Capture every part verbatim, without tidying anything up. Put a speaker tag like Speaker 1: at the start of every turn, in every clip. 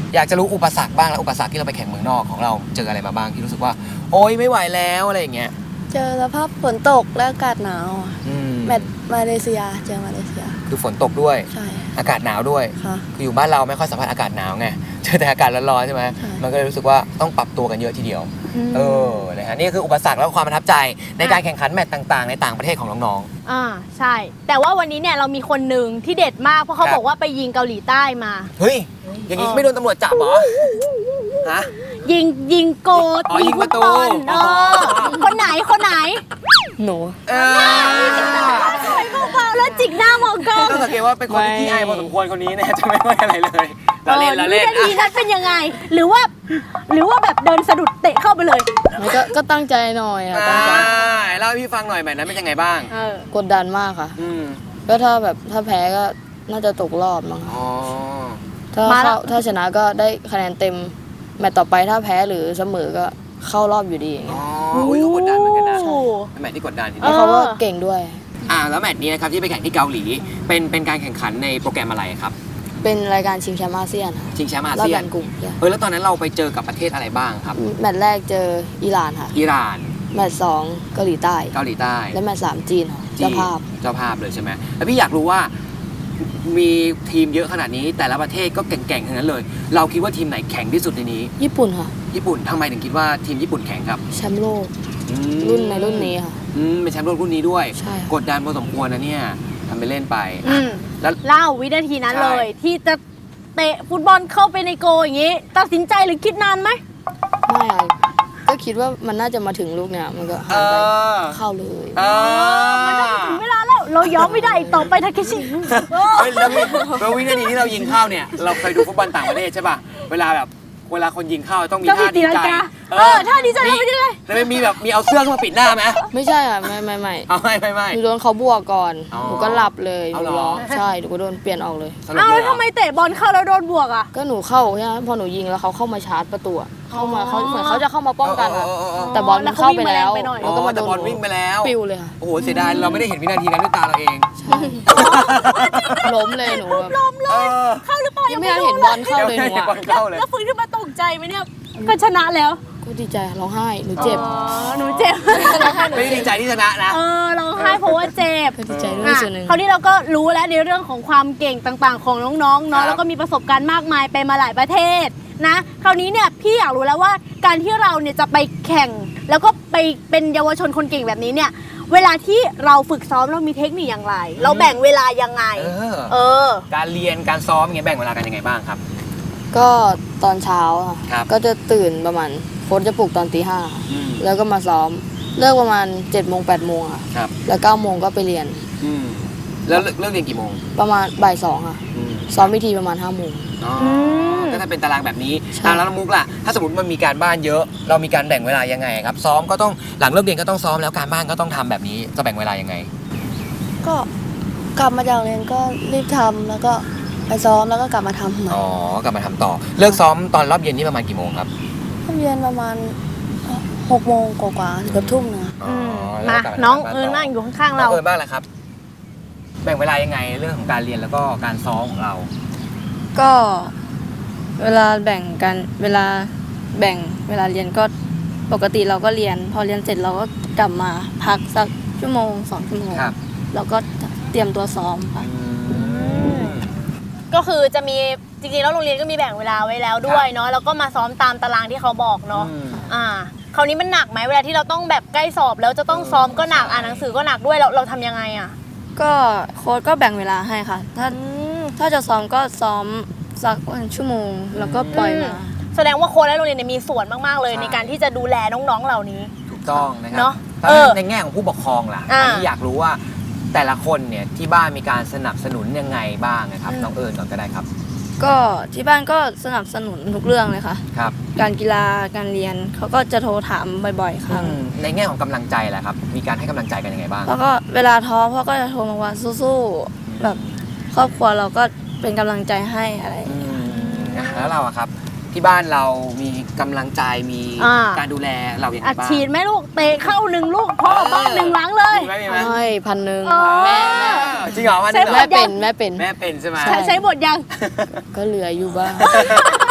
Speaker 1: อยากจะรู้อุปสรรคบ้างแล้วอุปสรรคที่เราไปแข่งเมืองนอกของเราเจออะไรมาบ้างที่รู้สึกว่าโอ๊ยไม่ไหวแล้วอะไรอย่างเงี้ย
Speaker 2: เจอสภาพฝนตกและอากาศหนาวแมตช์มาเลเซียเจอมาเลเซีย
Speaker 1: คือฝนตกด้วย
Speaker 2: ใช่
Speaker 1: อากาศหนาวด้วยคืออยู่บ้านเราไม่ค่อยสัมผัสอากาศหนาวไงเจอแต่อากาศร้อนๆใช่ไหมมันก็เลยรู้สึกว่าต้องปรับตัวกันเยอะทีเดียวเออนะฮะนี่คืออุปสรรคและความประทับใจในการแข่งขันแมตช์ต่างๆในต่างประเทศของน้อง
Speaker 3: ๆอ่าใช่แต่ว่าวันนี้เนี่ยเรามีคนหนึ่งที่เด็ดมากเพราะเขาบอกว่าไปยิงเกาหลีใต้มา
Speaker 1: เฮ้ยอย่างนี้ไม่โดนตำรวจจับเหรอฮะ
Speaker 3: ยิงยิงโกดยิงฟุตบอลเออคนไหนคนไหน
Speaker 2: หนู
Speaker 3: ไปเบาๆแล้วจิกหน้ามองกล้อง
Speaker 1: ต้องสังเกตว่าเป็นคนที่อายพอสมควรคนนี้เนี่ยจะไม่ค่อยอะไรเลยเราเล่นเราเล่น
Speaker 3: ทีนั้นเป็นยังไงหรือว่าหรือว่าแบบเดินสะดุดเตะเข้าไปเลย
Speaker 2: ก็ก็ตั้งใจหน่อยค่ะตั้งใจ
Speaker 1: เล่าให้พี่ฟังหน่อยแบบนั้นเป็นยังไงบ้าง
Speaker 2: กดดันมากค่ะก็ถ้าแบบถ้าแพ้ก็น่าจะตกรอบมั้งถ้าเข้าถ้าชนะก็ได้คะแนนเต็มแมตช์ต่อไปถ้าแพ้หรือเสมอก็เข้ารอบอยู่ดีอย่างเงี้ย
Speaker 1: อ๋อก็กดดันเหมือนกันนะแมตช์ที่กดดันที
Speaker 2: นี้เขาก็เก่งด้วย
Speaker 1: อ่าแล้วแมตช์นี้นะครับที่ไปแข่งที่เกาหลีเป็นเป็นการแข่งขันในโปรแกรมอะไรครับ
Speaker 2: เป็นรายการชิงแชมป์อาเซียน
Speaker 1: ชิงแชมป์อาเซียน
Speaker 2: กลุ่ม
Speaker 1: เออแล้วตอนนั้นเราไปเจอกับประเทศอะไรบ้างครับ
Speaker 2: แมตช์แรกเจออิหร่านค่ะ
Speaker 1: อิหร่าน
Speaker 2: แมตช์สองเกาหลีใต้
Speaker 1: เกาหลีใต้
Speaker 2: และแมตช์สามจีนเจ้าภาพ
Speaker 1: เจ้าภาพเลยใช่ไหมแล้วพี่อยากรู้ว่ามีทีมเยอะขนาดนี้แต่ละประเทศก็เก่งๆทั้งนั้นเลยเราคิดว่าทีมไหนแข็งที่สุดในนี้
Speaker 2: ญี่ปุ่นค่ะ
Speaker 1: ญี่ปุ่นทำไมถึงคิดว่าทีมญี่ปุ่นแข็งครับ
Speaker 2: แชมป์โลกรุ่นในรุ่นนี้ค่ะ
Speaker 1: อืมเป็นแชมป์โลกรุ่นนี้ด้วยกดดันพอสมควรนะเนี่ยทำไปเล่นไป
Speaker 3: แล้วเล่าวินาทีนั้นเลยที่จะเตะฟุตบอลเข้าไปในโกอย่างนี้ตัดสินใจหรือคิดนานไหม
Speaker 2: ไม่ก็คิดว่ามันน่าจะมาถึงลูกเนี่ยมันก็หันไปเข้าเลย
Speaker 3: มันน่าจะถึงเวลาแล้วเรายอมไม่ได้ต่อไปทาเคชิ
Speaker 1: แล้ววินาทีที่เรายิงเข้าเนี่ยเราเคยดูฟุตบอลต่างประเทศใช่ป่ะเวลาแบบเวลาคนยิงเข้าต้องมีท่าดีใจ
Speaker 3: เออท่าดีใจไม่ได้
Speaker 1: แล้วมีแบบมีเอาเสื้อขึ้นมาปิดหน้าไหม
Speaker 2: ไม่ใช่อ่ะไม่ไม่ไม่
Speaker 1: เอาไม่ไม่ไม่
Speaker 2: หนูโดนเขาบวกก่อนหนูก็หลับเลยหนูร้องใช่หนูก็โดนเปลี่ยนออกเลย
Speaker 3: อ้าวแล้วทำไมเตะบอลเข้าแล้วโดนบวกอ่ะ
Speaker 2: ก็หนูเข้าใช่ไหมพอหนูยิงแล้วเขาเข้ามาชาร์จประตูเข้ามาเขาเหมือนเขาจะเข้ามาป้องกันอ่ะแต่บอลมันเข้าไปแล้ว
Speaker 1: แล้วก็มาโดนบอลวิ่งไปแล้ว
Speaker 2: ปิวเลยค่ะ
Speaker 1: โอ้โหเสียดายเราไม่ได้เห็นวินาทีนั้นด้วยตาเราเอง
Speaker 2: ล้มเลยหนู
Speaker 3: ล้มเลยเข้าหรือเปล่า
Speaker 2: ยังไม่เห็นบอลเข้าเลยหนู
Speaker 3: แล้วฟื้นขึ้นมาตกใจไหมเนี่ยก็ชนะแล้ว
Speaker 2: ก็ดีใจร้องไห้หนูเจ็บ
Speaker 3: หนูเจ็บ
Speaker 1: ไม่ดีใจที่ชนะนะ
Speaker 3: เออร้องไห้เพราะว่าเจ็บ
Speaker 2: ดีใจด้วยส่วนหนึ่ง
Speaker 3: คราวนี้เราก็รู้แล้วในเรื่องของความเก่งต่างๆของน้องๆเนาะแล้วก็มีประสบการณ์มากมายไปมาหลายประเทศนะคราวนี้เนี่ยพี่อยากรู้แล้วว่าการที่เราเนี่ยจะไปแข่งแล้วก็ไปเป็นเยาวชนคนเก่งแบบนี้เนี่ยเวลาที่เราฝึกซ้อมเรามีเทคนิคอย่างไรเราแบ่งเวลายังไงเออ
Speaker 1: การเรียนการซ้อมอย่างเงี้ยแบ่งเวลากันยังไงบ้างครับ
Speaker 2: ก็ตอนเช้าก็จะตื่นประมาณโค้ชจะปลุกตอนตีห้าแล้วก็มาซ้อมเลิกประมาณเจ็ดโมงแปดโมงค่ะแล้วเก้าโมงก็ไปเรียน
Speaker 1: แล้วเลิกเรียนกี่โมง
Speaker 2: ประมาณบ่ายสองค่ะซ้อมวิธีประมาณห้าโมง
Speaker 1: ก็ถ้าเป็นตารางแบบนี้แล้วน้องมุกล่ะถ้าสมมติมันมีการบ้านเยอะเรามีการแบ่งเวลายังไงครับซ้อมก็ต้องหลังเลิกเรียนก็ต้องซ้อมแล้วการบ้านก็ต้องทำแบบนี้จะแบ่งเวลายังไง
Speaker 2: ก็กลับมาจากเรียนก็รีบทำแล้วก็ไปซ้อมแล้วก็กลับมาทำ
Speaker 1: อ๋อกลับมาทำต่อเลิกซ้อมตอนรอบเย็นนี่ประมาณกี่โมงครับ
Speaker 2: รอบเย็นประมาณหกโมงกว่าๆเกือบทุ่มนะ
Speaker 3: มาน้องเอิญนั่งอยู่ข้างๆเรา
Speaker 1: เอิญบ้างแหละครับแบ่งเวลายังไงเรื่องของการเรียนแล้วก็การซ้อมของเรา
Speaker 2: ก็เวลาแบ่งกันเวลาแบ่งเวลาเรียนก็ปกติเราก็เรียนพอเรียนเสร็จเราก็กลับมาพักสักชั่วโมงสองชั่วโมงแล้วก็เตรียมตัวซ้อมค่ะ
Speaker 3: ก็คือจะมีจริงๆแล้วโรงเรียนก็มีแบ่งเวลาไว้แล้วด้วยเนาะแล้วก็มาซ้อมตามตารางที่เขาบอกเนาะอ่าคราวนี้มันหนักไหมเวลาที่เราต้องแบบใกล้สอบแล้วจะต้องซ้อมก็หนักอ่านหนังสือก็หนักด้วยเราเราทำยังไงอ่ะ
Speaker 2: ก็โค้ชก็แบ่งเวลาให้ค่ะถ้าถ้าจะซ้อมก็ซ้อมสักวันชั่วโมงแล้วก็ปล่อยมา
Speaker 3: แสดงว่าโค้ชและโรงเรียนมีส่วนมากๆเลยในการที่จะดูแลน้องๆเหล่านี้
Speaker 1: ถูกต้องนะครับในแง่ของผู้ปกครองล่ะอันนี้อยากรู้ว่าแต่ละคนเนี่ยที่บ้านมีการสนับสนุนยังไงบ้างนะครับน้องเอิญก่อนก็ได้ครับ
Speaker 2: ก็ที่บ้านก็สนับสนุนทุกเรื่องเลยค่ะ
Speaker 1: ครับ
Speaker 2: การกีฬาการเรียนเขาก็จะโทรถามบ่อยๆครั้ง
Speaker 1: ในแง่ของกำลังใจแหละครับมีการให้กำลังใจกันยังไงบ้าง
Speaker 2: แล้วก็เวลาท้อพ่อก็จะโทรมาว่าสู้ๆแบบครอบครัวเราก็เป็นกำลังใจให้อะไร
Speaker 1: แล้วเราอะครับที่บ้านเรามีกำลังใจมีการดูแลเราอย่างไรบ้าง
Speaker 3: อัดฉีดไหมลูกเตะเข้าหนึ่งลูกพ่อบ้านหนึ่งหลังเลย
Speaker 2: ใช่พันหนึ่ง
Speaker 1: แม่แม่จริงเหรอพันหนึ่ง
Speaker 2: แม่เป็นแม่เป็น
Speaker 1: แม่เป็นใช่ไหม
Speaker 3: ใช้บทยัง
Speaker 2: ก็เหลืออยู่บ้าง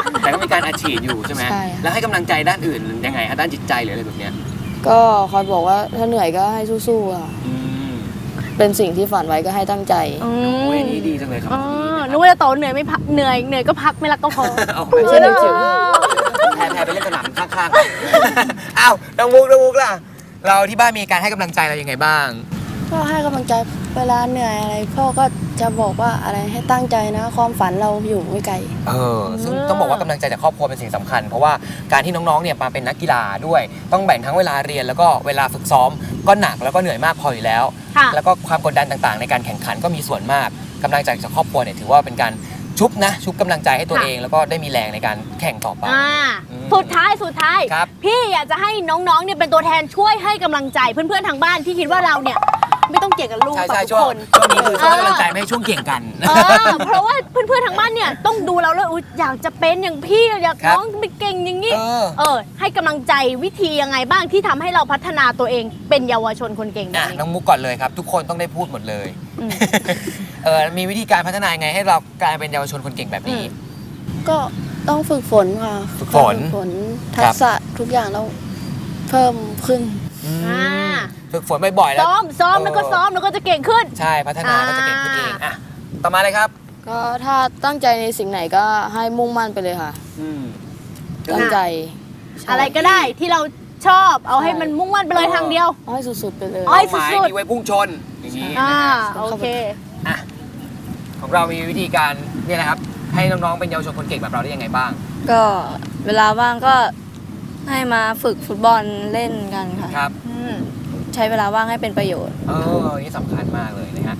Speaker 1: แต่ก็มีการอัดฉีดอยู่ใช่ไหม
Speaker 2: ใช่ค่ะ
Speaker 1: แล้วให้กำลังใจด้านอื่นยังไงฮะด้านจิตใจหรืออะไรแบบเนี้ย
Speaker 2: ก็คอยบอกว่าถ้าเหนื่อยก็ให้สู้ๆค่ะ
Speaker 1: อืม
Speaker 2: เป็นสิ่งที่ฝันไว้ก็ให้ตั้งใจ
Speaker 3: อื
Speaker 1: โอ้ย
Speaker 3: ม
Speaker 1: นี่ดีจังเลยครับ
Speaker 3: อ๋อ
Speaker 1: ดี
Speaker 3: นึกว่าจะโตเหนื่อยไม่พักเหนื่อยเหนื่อยก็พักไม่รักก็พอ
Speaker 1: เอา
Speaker 2: ไม่ใช่นึกถึง
Speaker 1: แพ้แพ้ไปเล่นสนามข้างๆ อ้าวน้องมุกน้องมุกล่ะ เราที่บ้านมีการให้กำลังใจเรายังไงบ้าง
Speaker 2: ก็ให้กำลังใจเวลาเหนื่อยอะไรพ่อก็จะบอกว่าอะไรให้ตั้งใจนะ ความฝันเราอยู่ไม่ไกล
Speaker 1: เออซึ่งต้องบอกว่ากำลังใจจากครอบครัวเป็นสิ่งสำคัญ เพราะว่าการที่น้องๆเนี่ยมาเป็นนักกีฬาด้วย ต้องแบ่งทั้งเวลาเรียนแล้วก็เวลาฝึกซ้อมก็หนักแล้วก็เหนื่อยมากพออยู่แล้ว
Speaker 3: ค่ะ
Speaker 1: แล้วก็ความกดดันต่างๆ ในการแข่งขันก็มีส่วนมากกำลังใจจากครอบครัวเนี่ยถือว่าเป็นการชุบนะชุบกำลังใจให้ตัว
Speaker 3: ค่ะ
Speaker 1: เอง แล้วก็ได้มีแรงในการแข่งต่อไป
Speaker 3: อ่า
Speaker 1: อืม
Speaker 3: สุดท้ายสุดท้าย
Speaker 1: ครับ
Speaker 3: พี่อยากจะให้น้องๆเนี่ยเป็นตัวแทนช่วยให้กำลังใจเพื่อนๆทางบ้านที่คิดว่าเราเนี่ยไม่ต้องเก่งกับลูก
Speaker 1: ใช่
Speaker 3: แบบ
Speaker 1: ใช่
Speaker 3: ทุก
Speaker 1: ช่วง
Speaker 3: คน
Speaker 1: ช่วงนี้คือช่วงให้กำลังใจไม่ให้ช่วงเก่งกัน
Speaker 3: เออเพราะว่าเพื่อนๆทางบ้านเนี่ยต้องดูเราแล้วอุ๊ยอยากจะเป็นอย่างพี่อยาก
Speaker 1: ครับ
Speaker 3: น้องไปเก่งอย่างนี้
Speaker 1: เออ
Speaker 3: เออ ให้กำลังใจวิธียังไงบ้างที่ทำให้เราพัฒนาตัวเองเป็นเยาวชนคนเก่งแบบ
Speaker 1: อ่ะ
Speaker 3: นี้
Speaker 1: น้องมุกก่อนเลยครับ ทุกคนต้องได้พูดหมดเลย
Speaker 3: อืม
Speaker 1: เออมีวิธีการพัฒนายังไงให้เรากลายเป็นเยาวชนคนเก่งแบบนี้
Speaker 3: อืม
Speaker 2: ก็ต้องฝึกฝนค่ะ
Speaker 1: ฝึกฝน
Speaker 2: ฝึกฝนทักษะทุกอย่างเราเพิ่มขึ้น
Speaker 3: อ่า
Speaker 1: ฝึกฝนบ่อยๆแล้ว
Speaker 3: ซ้อมซ้อม
Speaker 1: เออ
Speaker 3: แล้วก็ซ้อมแล้วก็จะเก่งขึ้น
Speaker 1: ใช่พัฒนาก็จะเก่งขึ้นเองอ่ะต่อมาเลยครับ
Speaker 2: ก็ถ้าตั้งใจในสิ่งไหนก็ให้มุ่งมั่นไปเลยค่ะ
Speaker 1: อืม
Speaker 2: ตั้งใจใช่
Speaker 3: อะไรก็ได้ที่เราชอบเอาให้มันมุ่งมั่นไปเลยทางเดียว
Speaker 2: เอาให้สุดๆไปเลย
Speaker 3: เอาให้
Speaker 1: เป้าหมาย
Speaker 3: สุดๆ
Speaker 1: มีไว้พุ่งชนอย่างนี้
Speaker 3: อ่า
Speaker 1: นะฮะ
Speaker 3: โอเค
Speaker 1: อ่ะของเรามีวิธีการเนี่ยนะครับ ให้น้องๆเป็นเยาวชนคนเก่งแบบเราได้ยังไงบ้าง
Speaker 2: ก็เวลาว่างก็ให้มาฝึกฟุตบอลเล่นกันค่ะ
Speaker 1: ครับ
Speaker 3: อืม
Speaker 2: ใช้เวลาว่างให้เป็นประโยชน์
Speaker 1: เออนี่สำคัญมากเลยนะฮะ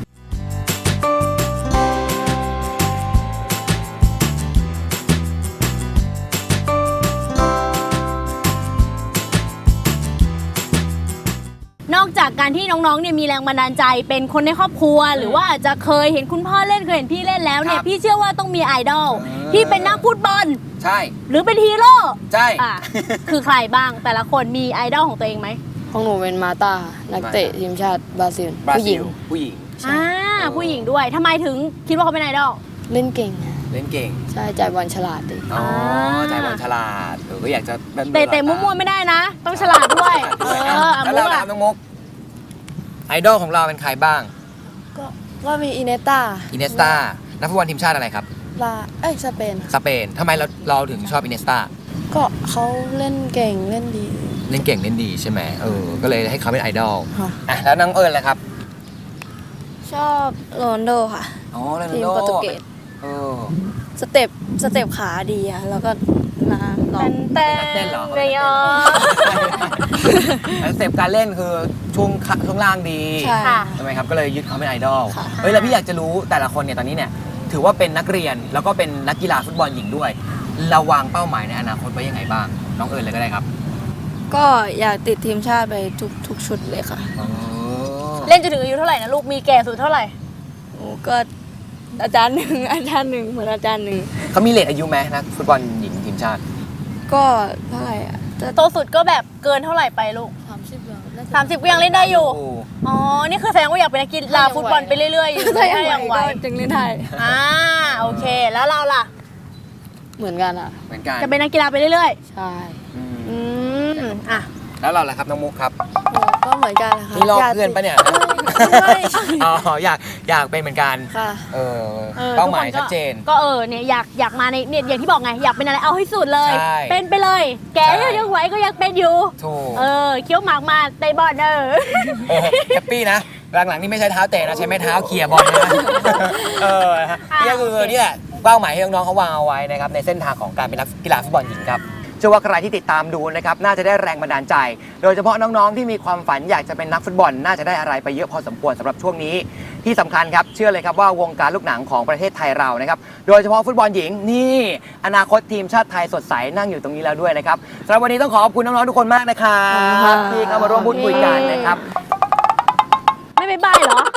Speaker 3: นอกจากการที่น้องๆเนี่ยมีแรงบันดาลใจเป็นคนในครอบครัว หรือว่าอาจจะเคยเห็นคุณพ่อเล่นเคยเห็นพี่เล่นแล้วเนี่
Speaker 1: ค
Speaker 3: ย
Speaker 1: รับ
Speaker 3: พี่เชื่อว่าต้องมีไอดอล
Speaker 1: เออ
Speaker 3: ที่เป็นนักฟุตบอล
Speaker 1: ใช่
Speaker 3: หรือเป็นฮีโร่
Speaker 1: ใช่
Speaker 3: อ่ะ คือใครบ้างแต่ละคนมีไอดอลของตัวเองไหม
Speaker 2: ของหนูเป็นมาตาค่ะนักเตะทีมชาติบราซิล
Speaker 1: บรา
Speaker 2: ผู้ห
Speaker 1: ซิ
Speaker 2: ญิง
Speaker 1: ลผู้หญิง
Speaker 3: อ่าผู้หญิงด้วยทำไมถึงคิดว่าเขาเป็นไอดอล
Speaker 2: เล่นเก่ง
Speaker 1: เล่นเก่ง
Speaker 2: ใช่จ่ายบอลฉลาดดี
Speaker 1: อ๋อ
Speaker 3: อ่า
Speaker 1: ใจบอลฉลาดเออก็อยากจะแบบ
Speaker 3: เตะเตะมั่วๆไม่ได้นะ ต้องฉลาดด้วย เอออ่ะ
Speaker 1: แล้ว
Speaker 3: มุ
Speaker 1: เรา
Speaker 3: ก
Speaker 1: ล่ะ
Speaker 3: อ่ะ
Speaker 1: น้องมุกไอดอลของเราเป็นใครบ้าง
Speaker 2: ก็ก็มีอินเนตา
Speaker 1: อินเนสตานักฟุตบอลทีมชาติอะไรครับ
Speaker 2: ลาเอ้ยสเปน
Speaker 1: สเปนทำไมเราเราถึงชอบอินเนสตา
Speaker 2: ก็เขาเล่นเก่งเล่นดี
Speaker 1: เล่นเก่งเล่นดีใช่ไหมเออก็เลยให้เขาเป็นไอดอล
Speaker 2: ค่ะ
Speaker 1: อ่ะแล้วน้องเอิญล่ะครับ
Speaker 2: ชอบโรนลโดค่ะ
Speaker 1: อ๋อโรนัล
Speaker 2: ทีม
Speaker 1: โด
Speaker 2: โปรตุเกส
Speaker 1: เออ
Speaker 2: สเต็ปสเต็ปขาดีอะแล้วก็มาลอง
Speaker 3: แต่
Speaker 1: เป็นนักเต้นเหรอ
Speaker 3: เรยอ
Speaker 1: แล้วสเต็ปการเล่นคือช่วงขาช่วงล่างดี
Speaker 2: ใช่
Speaker 3: ค่ะ
Speaker 1: ใช่ไหมครับก็เลยยึดเขาเป็นไอดอล
Speaker 2: ค่ะ
Speaker 1: เฮ้ยแล้วพี่อยากจะรู้แต่ละคนเนี่ยตอนนี้เนี่ยถือว่าเป็นนักเรียนแล้วก็เป็นนักกีฬาฟุตบอลหญิงด้วยเราวางเป้าหมายในอนาคตไว้ยังไงบ้างน้องเอิญเลยก็ได้ครับ
Speaker 2: ก็อยากติดทีมชาติไปทุกทุกชุดเลยค่ะ
Speaker 1: อ๋อ
Speaker 3: เล่นจนถึงอายุเท่าไหร่นะลูก มีแก่สุดเท่าไหร่
Speaker 2: โอ้ก็อาจารย์หนึ่ง อาจารย์หนึ่งเหมือนอาจารย์หนึ่ง
Speaker 1: เขามีเลทอายุไหมนักฟุตบอลหญิงทีมชาติ
Speaker 2: ก็เท่าไหร่อะจะ
Speaker 3: โตสุดก็แบบเกินเท่าไหร่ไปลูก
Speaker 2: สามสิบแล้ว
Speaker 3: สามสิบก็ยังเล่นได้อยู่
Speaker 1: โ
Speaker 3: อ๋อ นี่คือแสดงว่าอยากเป็นนักกีฬาฟุตบอลไปเรื่อยๆอยู่
Speaker 2: ถ้า
Speaker 3: ถ้า
Speaker 2: ยั
Speaker 3: ยัง ง
Speaker 2: ไห
Speaker 3: ไห
Speaker 2: ว
Speaker 3: ว
Speaker 2: ก็จึงเล่นได้
Speaker 3: อ่า โอเค แล้วเราล่ะ
Speaker 2: เหมือนกันอ่ะ
Speaker 1: เหมือนกัน
Speaker 3: จะเป็นนักกีฬาไปเรื่อย
Speaker 2: ใช่
Speaker 1: อืม
Speaker 3: ๆ อืม อ่ะ
Speaker 1: แล้วเราล่ะครับน้องมุกครับ
Speaker 2: ก็เหมือนกันนะคะ
Speaker 1: นี่ลอก
Speaker 2: ยาก
Speaker 1: เพื่อนปะเนี่ย
Speaker 2: ไม่
Speaker 1: อ๋ออยากอยากเป็นเหมือนกัน
Speaker 2: ค่ะ
Speaker 1: เออ
Speaker 3: เออ
Speaker 1: เป้าหมาย
Speaker 3: ทุกคนก็
Speaker 1: ชัดเจน
Speaker 3: ก็เออ เนี่ยอยากอยากมาในเนี่ยอย่างที่บอกไง อยากเป็นอะไรเอาให้สุดเลย
Speaker 1: ใช่
Speaker 3: เป็นไปเลย แก
Speaker 1: ใช่
Speaker 3: ยังไหวก็ยังเป็นอยู่
Speaker 1: ถูก
Speaker 3: เออ เคี้ยวหมากมาเตะบอลเออ
Speaker 1: เออแฮปปี้นะหลังๆนี่ไม่ใช่เท้าเตะนะใช้ไม้เท้าเขี่ยบอลนะเออฮะนี่ก็คือนี่แหละเป้าหมายที่น้องๆเขาวางเอาไว้นะครับในเส้นทางของการเป็นนักกีฬาฟุตบอลหญิงครับเชื่อว่าใครที่ติดตามดูนะครับน่าจะได้แรงบันดาลใจ โดยเฉพาะน้องๆที่มีความฝันอยากจะเป็นนักฟุตบอลน่าจะได้อะไรไปเยอะพอสมควรสำหรับช่วงนี้ที่สำคัญครับเชื่อเลยครับว่าวงการลูกหนังของประเทศไทยเรานะครับโดยเฉพาะฟุตบอลหญิงนี่อนาคตทีมชาติไทยสดใสนั่งอยู่ตรงนี้แล้วด้วยนะครับสำหรับวันนี้ต้องขอขอบคุณน้องๆทุกคนมากนะครับที่เข้ามาร่วมพูดคุยกันนะครับ
Speaker 3: ไม่ไปบายเหรอ